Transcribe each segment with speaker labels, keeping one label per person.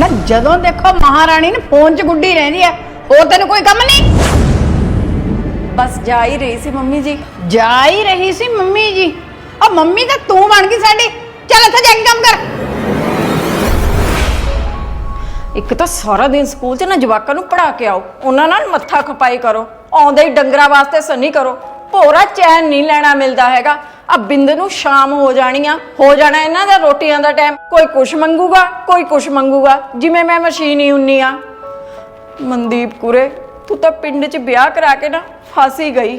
Speaker 1: ना जदों देखो महारानी ने फोन च गुड्डी रहंदी है, होर तैनूं कोई कम नहीं?
Speaker 2: बस जा ही रही सी मम्मी जी।
Speaker 1: जा ही रही सी मम्मी जी? और मम्मी तो तू बन गई साडी। चल इत्थे जाके काम कर।
Speaker 2: एक तो सारा दिन स्कूल च ना जवाकां नूं पढ़ा के आओ, उन्हां नाल मत्था खपाई करो, आउंदे ही डंगरां वास्ते सनी करो, भोरा चैन नहीं लेना मिलता हैगा। अब बिंद नूं शाम हो जानी आ, हो जाना इन्हां दा रोटियां दा टाइम, कोई कुछ मंगूगा कोई कुछ मंगूगा, जिवें मैं मशीन ही हुन्नी आ। मनदीप कुरे तू तो पिंड च ब्याह करा के ना फस ही गई,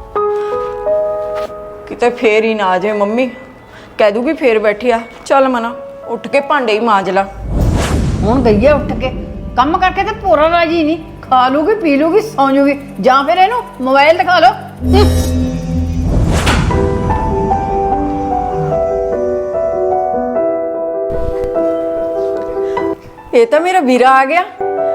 Speaker 2: किते फेर ही ना आ जाए मम्मी, कह दूगी फेर बैठी आ। चल मना उठ के भांडे ही मांज ला।
Speaker 1: हुण गई है उठ के, कम करके ते पूरा राजी नहीं, खा लूगी पी लूगी सौ जूगी, जां फिर इहनूं मोबाइल दिखा लो।
Speaker 2: ये तो मेरा वीरा आ गया।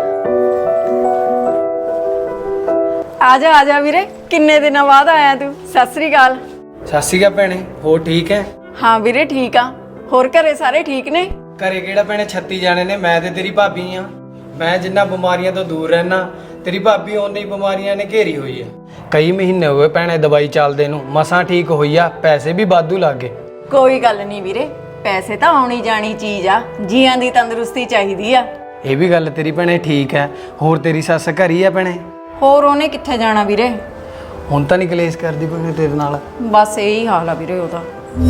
Speaker 2: आजा वीरे, किन्ने दिनों बाद आया तू? सत श्री अकाल।
Speaker 3: सत श्री अकाल भैणे, हो ठीक है?
Speaker 2: हाँ वीरे ठीक आ, होर घरे सारे ठीक ने?
Speaker 3: घरे किहड़ा भैणे 36 जाने ने, मैं ते तेरी भाभी आ। मैं जिन्ना बीमारियां तो दूर रहना, तेरी भाभी ओने ही बीमारियां ने घेरी हुई है। कई महीने हो गए भैणे दवाई चलदे नूं, मसां ठीक होई आ, पैसे भी वाधू लग गए।
Speaker 2: कोई गल नहीं वीरे, पैसे तो आउणी जानी चीज आ, जियां दी तंदुरुस्ती चाहिदी आ।
Speaker 3: ये भी गल तेरी भैणे ठीक है। होर तेरी सस घर ही है भैणे?
Speaker 2: होर ओने कित्थे जाना वीरे,
Speaker 3: हुण तां नहीं कलेश करदी भैणे तेरे नाल?
Speaker 2: बस यही हाल आ वीरे ओदा।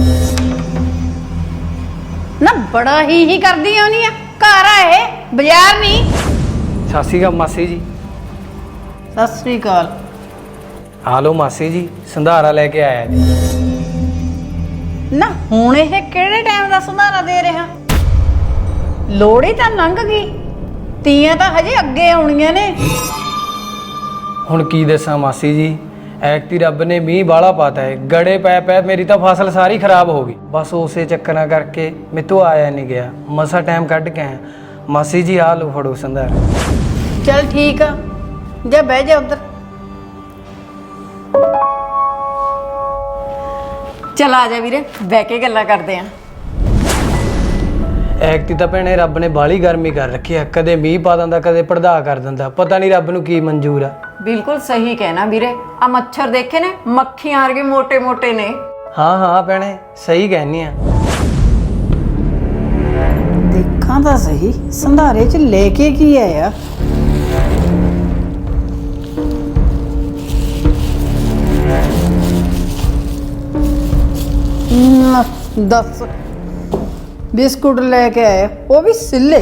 Speaker 1: ना बड़ा ही करदी होनी है, घर आए बाजार नहीं।
Speaker 3: सत श्री अकाल मासी जी।
Speaker 1: सत श्री अकाल।
Speaker 3: आ लो मासी जी, संधारा लेके आया जी।
Speaker 1: ना हुण ਇਹ ਕਿਹੜੇ ਟਾਈਮ ਦਾ ਸੰਧਾਰਾ ਦੇ ਰਿਹਾ? ਲੋੜੀ ਤਾਂ ਲੰਘ ਗਈ, ਤੀਆਂ ਤਾਂ ਹਜੇ ਅੱਗੇ ਆਉਣੀਆਂ ਨੇ।
Speaker 3: ਹੁਣ ਕੀ ਦੱਸਾਂ ਮਾਸੀ ਜੀ, ਐਕਤੀ ਰੱਬ ਨੇ ਮੀਂਹ ਬਾਲਾ ਪਾਤਾ ਹੈ, ਗੜੇ ਪੈ ਪੈ ਮੇਰੀ ਤਾਂ ਫਸਲ ਸਾਰੀ ਖਰਾਬ ਹੋ ਗਈ। ਬਸ ਉਸੇ ਚੱਕਰਾਂ ਕਰਕੇ ਮੈਥੋਂ ਆਇਆ ਨਹੀਂ ਗਿਆ, ਮਸਾ ਟਾਈਮ ਕੱਢ ਕੇ ਆਇਆ। ਮਾਸੀ ਜੀ ਆ ਲਓ ਫੜੋ ਸੰਧਾਰਾ।
Speaker 1: ਚੱਲ ਠੀਕ ਆ, ਜਾ ਬਹਿ ਜਾ ਉੱਧਰ।
Speaker 2: चल आ जा वीरे, बह के गल्लां करदे आ।
Speaker 3: ਐਕਤੀ ਤਾਂ ਭੈਣੇ ਰੱਬ ਨੇ ਬਾਲੀ ਗਰਮੀ ਕਰ ਰੱਖੀ ਆ, ਕਦੇ ਮੀਂਹ ਪਾ ਦਿੰਦਾ ਕਦੇ ਪੜਦਾ ਕਰ ਦਿੰਦਾ, ਪਤਾ ਨਹੀਂ ਰੱਬ ਨੂੰ ਕੀ ਮਨਜ਼ੂਰ ਆ।
Speaker 2: बिल्कुल सही कहना वीरे, आ मच्छर देखे ने मक्खियां वर्गे मोटे मोटे ने।
Speaker 3: ਹਾਂ ਹਾਂ ਭੈਣੇ ਸਹੀ ਕਹਿੰਨੀ ਆ।
Speaker 1: ਦੇਖਾਂ ਤਾਂ ਸਹੀ ਸੰਧਾਰੇ 'ਚ ਲੈ ਕੇ ਕੀ ਆਇਆ। दस बिस्कुट लेके आए, वो भी सिले।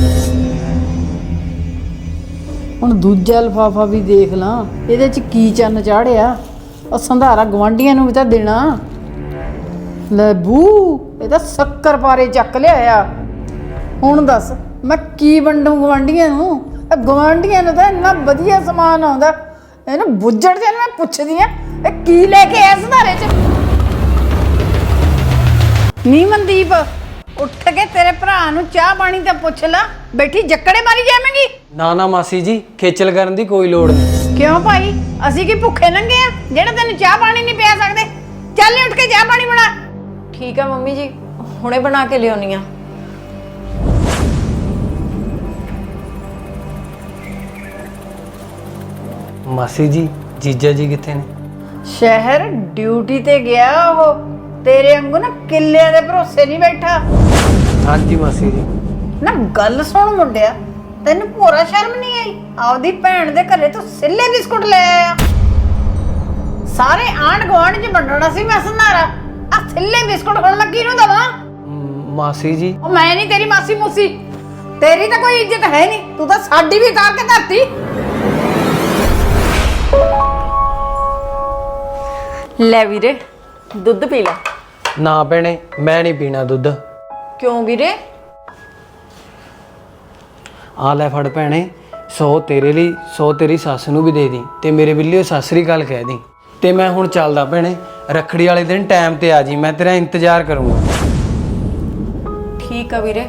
Speaker 1: हुण दूजा लिफाफा भी देख ला, ਇਹਦੇ 'ਚ ਕੀ ਚੰਨ ਚਾੜਿਆ। और संधारा ਗਵਾਂਢੀਆਂ ਨੂੰ ਵੀ ਤਾਂ ਦੇਣਾ। ਲੈ ਬੂ, ਇਹ ਤਾਂ ਸ਼ੱਕਰ ਪਾਰੇ ਚੱਕ ਲਿਆਇਆ। ਹੁਣ ਦੱਸ ਮੈਂ ਕੀ ਵੰਡੂ ਗਵਾਂਢੀਆਂ ਨੂੰ? ਗਵਾਂਢੀਆਂ ਨੂੰ ਤਾਂ ਇੰਨਾ ਵਧੀਆ ਸਮਾਨ ਆਉਂਦਾ, ਇਹਨੂੰ ਬੁੱਝੜ ਜੇ ਮੈਂ ਪੁੱਛਦੀ ਆ ਇਹ ਕੀ ਲੈ ਕੇ ਆਇਆ ਸੰਧਾਰੇ 'ਚ। ਨੀ ਮਨਦੀਪ, ਉੱਠ ਕੇ ਤੇਰੇ ਭਰਾ ਨੂੰ ਚਾਹ ਪਾਣੀ ਤਾਂ ਪੁੱਛ ਲੈ, ਬੈਠੀ ਜੱਕੜੇ ਮਾਰੀ ਜਾਵੇਂਗੀ।
Speaker 3: ਨਾ ਨਾ ਮਾਸੀ ਜੀ, ਖੇਚਲ ਕਰਨ ਦੀ ਕੋਈ ਲੋੜ ਨਹੀਂ।
Speaker 1: ਕਿਉਂ ਭਾਈ, ਅਸੀਂ ਕੀ ਭੁੱਖੇ ਨੰਗੇ ਆ ਜਿਹੜਾ ਤੈਨੂੰ ਚਾਹ ਪਾਣੀ ਨਹੀਂ ਪਿਆ ਸਕਦੇ? ਚੱਲ ਉੱਠ ਕੇ ਚਾਹ ਪਾਣੀ ਬਣਾ।
Speaker 2: ठीक है मम्मी जी, हुणे बना के लियाउणी आ।
Speaker 3: ਮਾਸੀ ਜੀ ਜੀਜਾ ਜੀ ਕਿੱਥੇ ਨੇ?
Speaker 1: ਸ਼ਹਿਰ ਡਿਊਟੀ ਤੇ ਗਿਆ ਉਹ, ਤੇਰੇ ਵਾਂਗੂ ਨਾ ਕਿੱਲਿਆਂ ਦੇ ਭਰੋਸੇ ਨਹੀਂ ਬੈਠਾ।
Speaker 3: ਹਾਂਜੀ ਮਾਸੀ ਜੀ।
Speaker 1: ਨਾ ਗੱਲ ਸੁਣ ਮੁੰਡਿਆ, ਤੈਨੂੰ ਭੋਰਾ ਸ਼ਰਮ ਨਹੀਂ ਆਈ? ਆਪਦੀ ਭੈਣ ਦੇ ਘਰੇ ਤੂੰ ਸਿੱਲੇ ਬਿਸਕੁਟ ਲੈ ਆਇਆ। ਸਾਰੇ ਆਂਢ ਗੁਆਂਢ 'ਚ ਵੰਡਣਾ ਸੀ ਮੈਂ ਸੰਧਾਰਾ, ਆ ਸਿੱਲੇ ਬਿਸਕੁਟ ਹੁਣ ਮੈਂ ਕਿਹਨੂੰ ਦਵਾਂ?
Speaker 3: ਮਾਸੀ ਜੀ
Speaker 1: ਉਹ ਮੈਂ ਨਹੀਂ ਤੇਰੀ ਮਾਸੀ ਮੂਸੀ, ਤੇਰੀ ਤਾਂ ਕੋਈ ਇੱਜ਼ਤ ਹੈ ਨਹੀਂ, ਤੂੰ ਤਾਂ ਸਾਡੀ ਵੀ ਉਤਾਰ ਕੇ ਧਰਤੀ।
Speaker 2: ले वीरे दुध पी ला।
Speaker 3: ਨਾ ਭੈਣੇ ਮੈਂ ਨਹੀਂ ਪੀਣਾ ਦੁੱਧ।
Speaker 2: क्यों वीरे?
Speaker 3: ਆ ਲੈ ਫੜ ਭੈਣੇ, 100 ਤੇਰੇ ਲਈ 100 ਤੇਰੀ ਸੱਸ ਨੂੰ ਵੀ ਦੇ ਦੀ, ਤੇ ਮੇਰੇ ਬਿੱਲੀਓ ਸਤਿ ਸ੍ਰੀ ਅਕਾਲ ਕਹਿ ਦੀ। ਤੇ ਮੈਂ ਹੁਣ ਚੱਲਦਾ ਭੈਣੇ, ਰੱਖੜੀ ਵਾਲੇ ਦਿਨ ਟਾਈਮ ਤੇ ਆ ਜੀ, ਮੈਂ ਤੇਰਾ ਇੰਤਜ਼ਾਰ ਕਰੂੰਗਾ।
Speaker 2: ठीक है वीरे।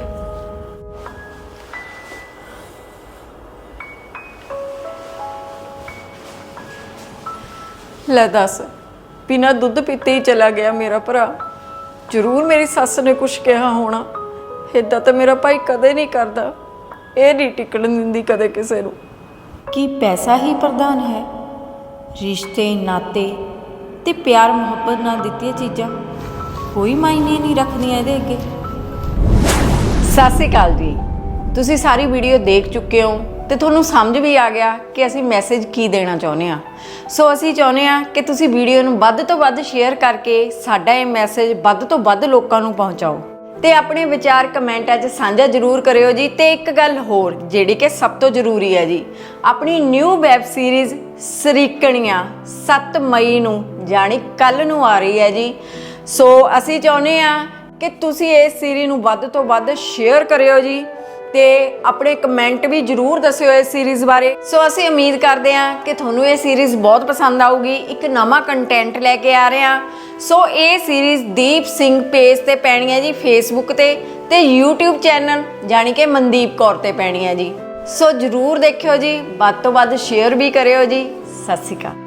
Speaker 2: ले दस, बिना दुध पीते ही चला गया मेरा भरा। जरूर मेरी सस ने कुछ कहा होना, इदा तो मेरा भाई कदे नहीं करता। ਇਹ ਨਹੀਂ ਟਿਕਣ ਦਿੰਦੀ ਕਦੇ ਕਿਸੇ ਨੂੰ।
Speaker 4: ਕੀ ਪੈਸਾ ਹੀ ਪ੍ਰਧਾਨ ਹੈ? ਰਿਸ਼ਤੇ ਨਾਤੇ ਤੇ ਪਿਆਰ ਮੁਹੱਬਤ ਨਾਲ ਦਿੱਤੀਆਂ ਚੀਜ਼ਾਂ ਕੋਈ ਮਾਇਨੇ ਨਹੀਂ ਰੱਖਦੀਆਂ ਇਹਦੇ ਅੱਗੇ।
Speaker 2: ਸਤਿ ਸ਼੍ਰੀ ਅਕਾਲ ਜੀ। ਤੁਸੀਂ ਸਾਰੀ ਵੀਡੀਓ ਦੇਖ ਚੁੱਕੇ ਹੋ ਤੇ ਤੁਹਾਨੂੰ ਸਮਝ ਵੀ ਆ ਗਿਆ ਕਿ ਅਸੀਂ ਮੈਸੇਜ ਕੀ ਦੇਣਾ ਚਾਹੁੰਦੇ ਆ। ਸੋ ਅਸੀਂ ਚਾਹੁੰਦੇ ਆ ਕਿ ਤੁਸੀਂ ਵੀਡੀਓ ਨੂੰ ਵੱਧ ਤੋਂ ਵੱਧ ਸ਼ੇਅਰ ਕਰਕੇ ਸਾਡਾ ਇਹ ਮੈਸੇਜ ਵੱਧ ਤੋਂ ਵੱਧ ਲੋਕਾਂ ਨੂੰ ਪਹੁੰਚਾਓ ਤੇ ਆਪਣੇ ਵਿਚਾਰ ਕਮੈਂਟਾਂ 'ਚ ਸਾਂਝਾ ਜ਼ਰੂਰ ਕਰਿਓ ਜੀ। ਤੇ ਇੱਕ ਗੱਲ ਹੋਰ ਜਿਹੜੀ ਕਿ ਸਭ ਤੋਂ ਜ਼ਰੂਰੀ ਹੈ ਜੀ, ਆਪਣੀ ਨਿਊ ਵੈਬ ਸੀਰੀਜ਼ ਸਰੀਕਣੀਆਂ 7 ਮਈ ਨੂੰ ਜਾਣੀ ਕੱਲ ਨੂੰ ਆ ਰਹੀ ਹੈ ਜੀ। ਸੋ ਅਸੀਂ ਚਾਹੁੰਦੇ ਆ ਕਿ ਤੁਸੀਂ ਇਸ ਸੀਰੀਜ਼ ਨੂੰ ਵੱਧ ਤੋਂ ਵੱਧ ਸ਼ੇਅਰ ਕਰਿਓ ਜੀ ਤੇ ਆਪਣੇ ਕਮੈਂਟ ਵੀ ਜ਼ਰੂਰ ਦੱਸਿਓ ਇਸ ਸੀਰੀਜ਼ ਬਾਰੇ। ਸੋ ਅਸੀਂ ਉਮੀਦ ਕਰਦੇ ਹਾਂ ਕਿ ਤੁਹਾਨੂੰ ਇਹ ਸੀਰੀਜ਼ ਬਹੁਤ ਪਸੰਦ ਆਊਗੀ। ਇੱਕ ਨਵਾਂ ਕੰਟੈਂਟ ਲੈ ਕੇ ਆ ਰਹੇ ਹਾਂ। ਸੋ ਇਹ ਸੀਰੀਜ਼ ਦੀਪ ਸਿੰਘ ਪੇਜ ਤੇ ਪੈਣੀ ਹੈ ਜੀ ਫੇਸਬੁੱਕ ਤੇ YouTube ਚੈਨਲ ਜਾਣੀ ਕਿ ਮਨਦੀਪ ਕੌਰ ਤੇ ਪੈਣੀ ਹੈ ਜੀ। ਸੋ ਜ਼ਰੂਰ ਦੇਖਿਓ ਜੀ, ਵੱਧ ਤੋਂ ਵੱਧ ਸ਼ੇਅਰ ਵੀ ਕਰਿਓ ਜੀ। ਸਤਿ ਸ਼੍ਰੀ ਅਕਾਲ।